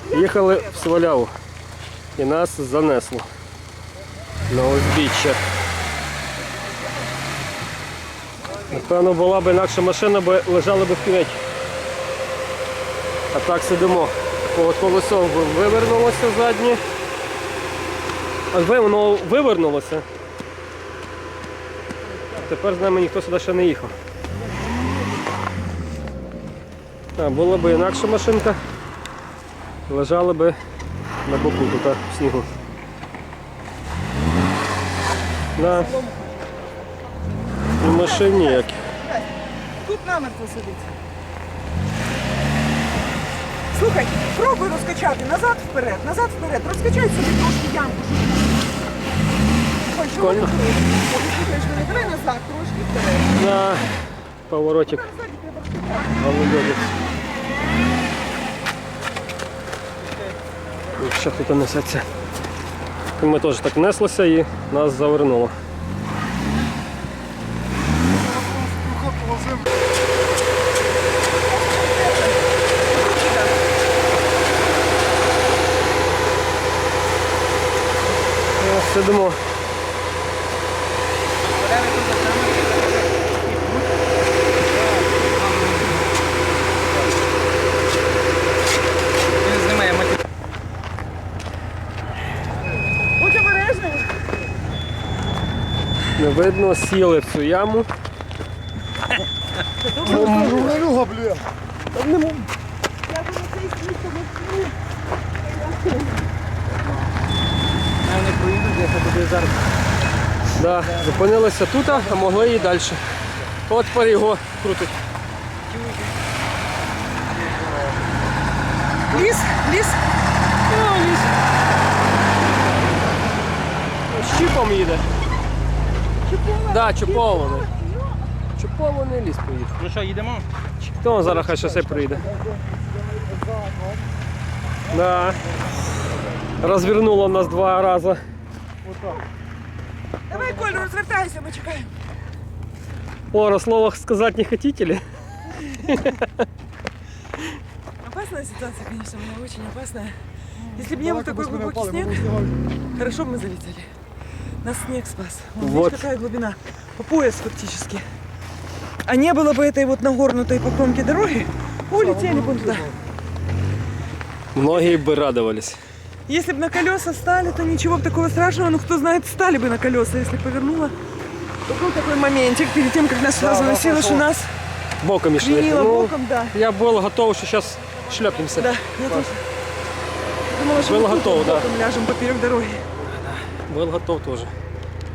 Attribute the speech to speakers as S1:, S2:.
S1: Їхали в Сваляву і нас занесло на узбіччя. Напевно, була б інакша машина, бо лежали б в кюветі. А так сидимо. От колесо вивернулося заднє. Аж воно вивернулося. Тепер з нами ніхто сюди ще не їхав. А була б інакша машинка, лежали б на боку тут в снігу. На і машин ніяких.
S2: Тут намертво сидить. Слухай, пробуй розкачати назад вперед, розкачай собі трошки ямку.
S1: Прикольно.
S2: Слухаєш мене, давай назад, трошки вперед.
S1: На поворотик. Голубець. І ще тут несеться. Ми теж так неслися і нас завернуло. Сидимо.
S2: Будь обережний.
S1: Не видно, сіли в цю яму.
S3: Люга, блін.
S2: Я думаю, це і слідко вовкну.
S3: Не проїдуть, я туди зараз.
S1: Да, зупинилися тут, а могли і далі. От тепер його крутить.
S2: Ліс.
S1: О, ліс. Щіпом їде. Да, чупований. Чупований ліс поїхав.
S3: Ну що, їдемо?
S1: Хто зараз хай шосе приїде? Да. Розвернуло нас 2 рази.
S2: Давай, Коль, розвертайся, ми чекаємо.
S1: О, слово сказать не хотите ли?
S2: Опасная ситуация, конечно, была очень опасная. Если бы не был такой глубокий снег, хорошо бы мы залетели. Нас снег спас. Вон,
S1: Вот.
S2: видишь, какая глубина? По пояс фактически. А не было бы этой вот нагорнутой по кромке дороги, улетели бы туда.
S1: Многие бы радовались.
S2: Если бы на колеса стали, то ничего бы такого страшного. Но кто знает, стали бы на колеса, если повернуло. То был такой моментик перед тем, как нас сюда заносило, что нас
S1: Боком шли.
S2: клинило боком, да.
S1: Я был готов, что сейчас шлепнемся.
S2: Да, я тоже. Думала, что
S1: Был
S2: мы тут
S1: готов,
S2: вот
S1: да.
S2: боком ляжем поперек дороги.
S1: Был готов тоже.